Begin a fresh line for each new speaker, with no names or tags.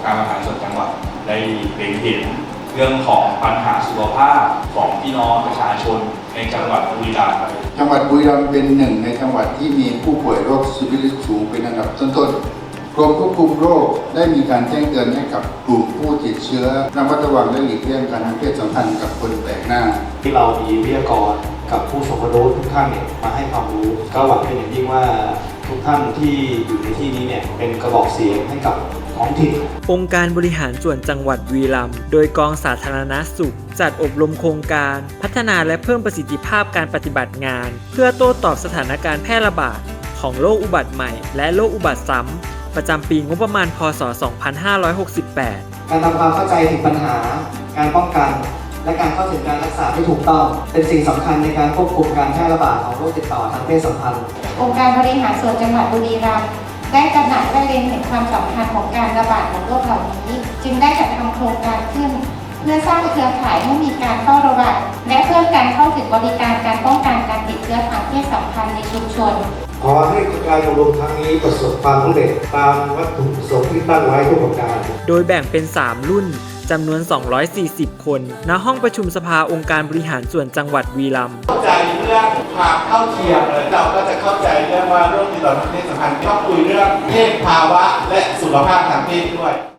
การบริหารส่วนจังหวัดได้เล็งเห็นเรื่องของปัญหาสุขภาพของพี่น้องประชาชนในจังหวัดบุรีรัมย์
จังหวัดบุรีรัมย์เป็นหนึ่งในจังหวัดที่มีผู้ป่วยโรคซีฟิลิสสูงเป็นอันดับต้นๆกรมควบคุมโรคได้มีการแจ้งเตือนให้กับกลุ่มผู้ติดเชื้อระมัดระวังและหลีกเลี่ยงการมีเพศสัมพันธ์กับคนแปลกหน้า
ที่เรามีวิทยากรกับผู้ทรงคุณวุฒิทุกท่านเนี่ยมาให้ความรู้ก็หวังเป็นอย่างยิ่งว่าทุกท่านที่อยู่ในที่นี้เนี่ยเป็นกระบอกเสียงให้กับท้องถิ่น
องค์การบริหารส่วนจังหวัดบุรีรัมย์โดยกองสาธารณสุขจัดอบรมโครงการพัฒนาและเพิ่มประสิทธิภาพการปฏิบัติงานเพื่อโต้ตอบสถานการณ์แพร่ระบาดของโรคอุบัติใหม่และโรคอุบัติซ้ำประจำปีงบประมาณพ.ศ. 2568
การทำความเข้าใจถึงปัญหาการป้องกันและการเข้าถึงการรักษาที่ถูกต้องเป็นสิ่งสำคัญในการควบคุมการแพร่ระบาดของโรคติดต่อทางเพศสัมพันธ์
องค์การบริหารส่วนจังหวัดบุรีรัมย์ได้ตระหนักและเล็งเห็นความสำคัญของการระบาดของโรคเหล่านี้จึงได้จัดทำโครงการขึ้นเพื่อสร้างเครือข่ายให้มีการเฝ้าระวังและเพิ่มการเข้าถึงบริการการป้องกันการติดเชื้อทางเพศสัมพันธ์ในชุมชน
ขอให้การอบรมครั้งนี้ประสบความสำเร็จตามวัตถุประสงค์ที่ตั้งไว้ทุกประการ
โดยแบ่งเป็น 3 รุ่นจำนวน 240 คนณห้องประชุมสภาองค์การบริหารส่วนจังหวัดบุรีรัมย์
เข้าใจเรื่องความเท่าเทียมเลยเราก็จะเข้าใจเรื่องว่าโรคติดต่อทางเพศสัมพันธ์ต้องคุยเรื่องเพศภาวะและสุขภาพทางเพศด้วย